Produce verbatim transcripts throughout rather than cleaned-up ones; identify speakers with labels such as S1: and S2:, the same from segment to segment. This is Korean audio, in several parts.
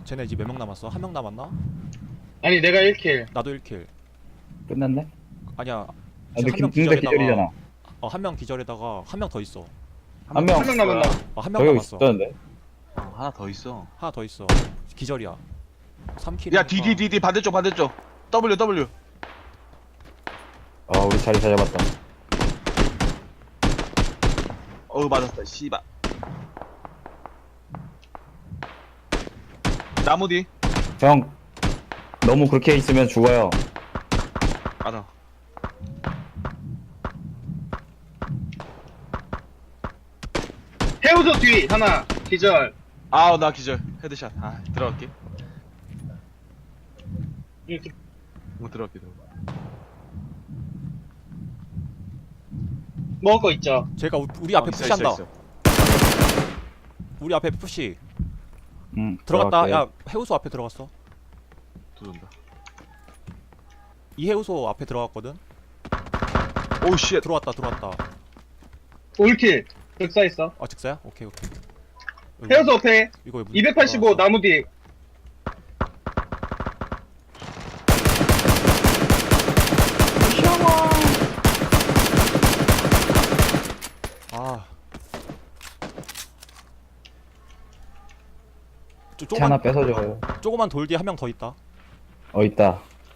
S1: 쟤네 이제 몇 명 남았어? 한 명 남았나?
S2: 아니 내가 일 킬.
S1: 나도 일 킬.
S3: 끝났네?
S1: 아니야.
S3: 아, 근데
S1: 한 명
S3: 금- 근데
S1: 기절에다가
S3: 기절이잖아.
S1: 어, 한 명 기절에다가 한 명 더 있어.
S3: 한 명.
S2: 한 명 남았나?
S1: 어, 한 명
S3: 저기
S1: 남았어.
S3: 있었는데.
S4: 어, 하나 더 있어.
S1: 하나 더 있어. 기절이야. 삼 킬.
S4: 야, D, D, D, D, 반대쪽, 반대쪽. W, W.
S3: 아, 우리 자리 잘 잡았다.
S4: 어우, 맞았다, 씨발. 나무 뒤.
S3: 형, 너무 그렇게 있으면 죽어요.
S4: 알아.
S2: 해우소 뒤 하나 기절.
S4: 아우, 나 기절. 헤드샷. 아, 들어갈게.
S2: 이렇게
S4: 뭐 들어갈게, 들어갈게.
S2: 먹을 거 있죠.
S1: 제가 우, 우리 앞에
S4: 어, 있어,
S1: 푸시한다.
S4: 있어, 있어.
S1: 우리 앞에 푸시.
S3: 응.
S1: 들어갔다.
S3: 들어갈게.
S1: 야, 해우소 앞에 들어갔어.
S4: 들어온다.
S1: 이 해우소 앞에 들어갔거든.
S4: 오우, 쉣.
S1: 들어왔다. 들어왔다.
S2: 일 킬. 격사 있어.
S1: 아, 즉사야? 오케이, 오케이. 이거,
S2: 해우소 앞에
S1: 이거 문
S2: 이백팔십오
S1: 들어갔어.
S2: 나무 뒤.
S1: 아. 조,
S3: 차 하나
S1: 조그만
S3: 뺏어줘요.
S1: 조그만 돌 뒤에 한 명 더 있다.
S3: 어, 있다.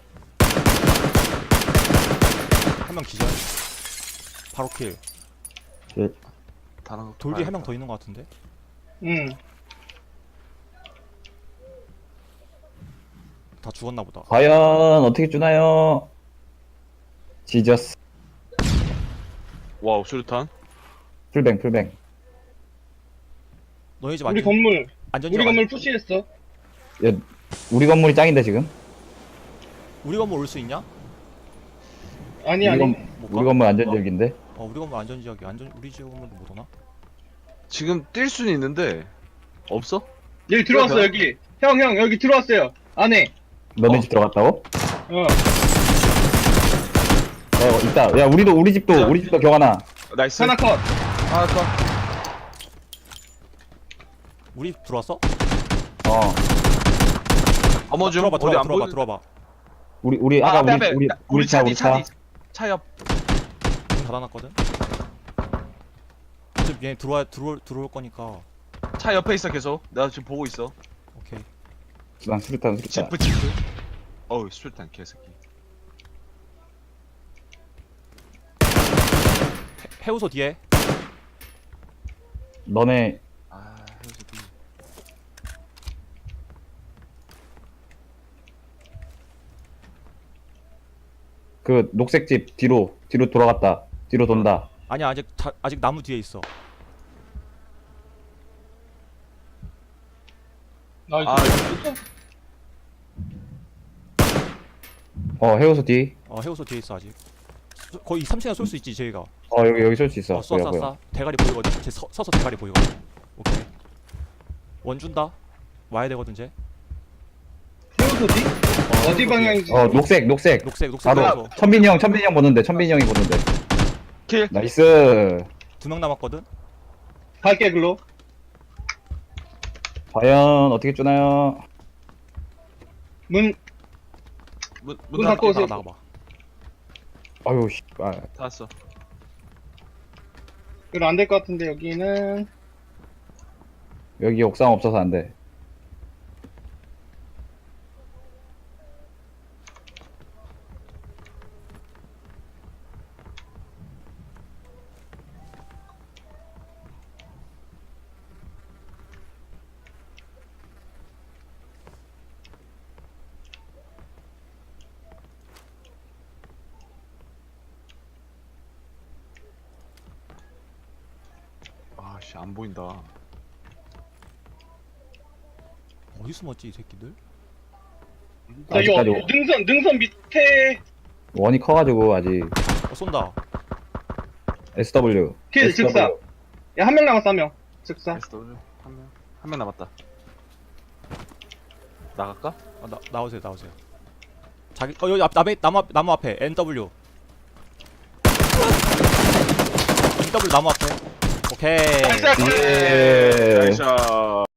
S1: 한 명 기절. 바로 킬.
S3: 그,
S4: 다른
S1: 돌 뒤에 한 명 더 있는 것 같은데.
S2: 응.
S1: 다 죽었나 보다.
S3: 과연 어떻게 주나요? 지저스.
S4: 와우, 수류탄.
S3: 풀뱅, 풀뱅.
S1: 너희 집
S2: 우리
S1: 안전
S2: 건물
S1: 안전
S2: 우리
S1: 지역
S2: 건물
S1: 아니-
S2: 푸시했어.
S3: 야, 우리 건물이 짱인데, 지금?
S1: 우리 건물 올 수 있냐?
S2: 아니
S3: 우리
S2: 아니.
S3: 건-
S1: 못
S3: 우리
S1: 가?
S3: 건물 안전지역인데?
S1: 어, 우리 건물 안전 지역이 안전 우리 지역 건물도 못 오나?
S4: 지금 뛸 수는 있는데, 없어?
S2: 여기 들어왔어
S4: 그래,
S2: 여기. 형 형 여기 들어왔어요. 안에.
S3: 너네
S4: 어.
S3: 집 들어갔다고?
S2: 어.
S3: 어, 있다. 야, 우리도, 우리 집도,
S4: 자.
S3: 우리 집도 경하나.
S4: 나이스.
S2: 하나 컷.
S4: 하나 컷.
S1: 우리 들어왔어?
S3: 어.
S4: 어머 좀.
S1: 들어봐,
S4: 어디
S1: 들어봐,
S4: 안
S1: 들어봐,
S4: 보이-
S1: 들어봐.
S3: 우리, 우리,
S4: 아,
S3: 아까
S4: 앞에,
S3: 우리,
S4: 앞에.
S3: 우리,
S4: 나-
S3: 우리 차,
S4: 뒤,
S3: 우리
S4: 차
S3: 차.
S4: 뒤. 차 옆.
S1: 문 닫아놨거든. 어차피 얘 들어와 들어올 들어올 거니까.
S4: 차 옆에 있어, 계속. 내가 지금 보고 있어.
S1: 오케이.
S3: 난 수류탄, 수류탄.
S4: 지프, 지프. 어우, 수류탄, 개새끼.
S1: 해, 해우소 뒤에.
S3: 너네,
S4: 아, 헤어지기.
S3: 그, 녹색 집 뒤로, 뒤로 돌아갔다. 뒤로 돈다.
S1: 아니야, 아직 자, 아직 나무 뒤에 있어.
S2: 나 이거
S4: 아,
S3: 어, 해우소 뒤.
S1: 어, 해우소 뒤에 있어 아직. 쏘- 거의 삼 층에 쏠 수 있지 저희가.
S3: 어, 여기, 여기 쏠 수 있어.
S1: 어, 쏴,
S3: 보여,
S1: 쏴,
S3: 보여.
S1: 쏴. 대가리 보이거든. 쟤 서, 서서 대가리 보이거든. 오케이. 원 준다. 와야 되거든 쟤.
S2: 해우소 뒤?
S1: 어,
S2: 어디
S1: 해우소
S2: 방향이지?
S3: 어, 녹색, 녹색.
S1: 뒤에. 녹색, 녹색
S3: 바로,
S1: 해우소.
S3: 천빈이 형, 천빈이 형 보는데, 천빈이 형이 보는데.
S4: 킬.
S3: 나이스.
S1: 두 명 남았거든.
S2: 갈게 글로.
S3: 과연 어떻게 주나요?
S2: 문
S4: 문,
S2: 문
S4: 문
S2: 닫고
S4: 닫고
S2: 오세요.
S1: 나가 나가 봐.
S3: 아유, 씨. 아,
S4: 닫았어.
S2: 그럼 안 될 것 같은데 여기는.
S3: 여기 옥상 없어서 안 돼.
S4: 아씨, 안 보인다.
S1: 어디 숨었지 이 새끼들?
S2: 자, 여,
S3: 아직까지 오-
S2: 능선 능선 밑에
S3: 원이 커가지고 아직
S1: 어, 쏜다.
S3: 에스더블유.
S2: 킬 즉사. 야 한 명 남았어 한 명. 즉사.
S4: 에스 더블유. 한 명. 한 명 남았다. 나갈까?
S1: 어, 나 나오세요, 나오세요. 자기 어 여기 앞 나무 나무 앞 나무 앞에 엔 더블유. 엔 더블유 나무 앞에. 오케이.
S2: 나이스.
S3: 예.
S4: 나이스.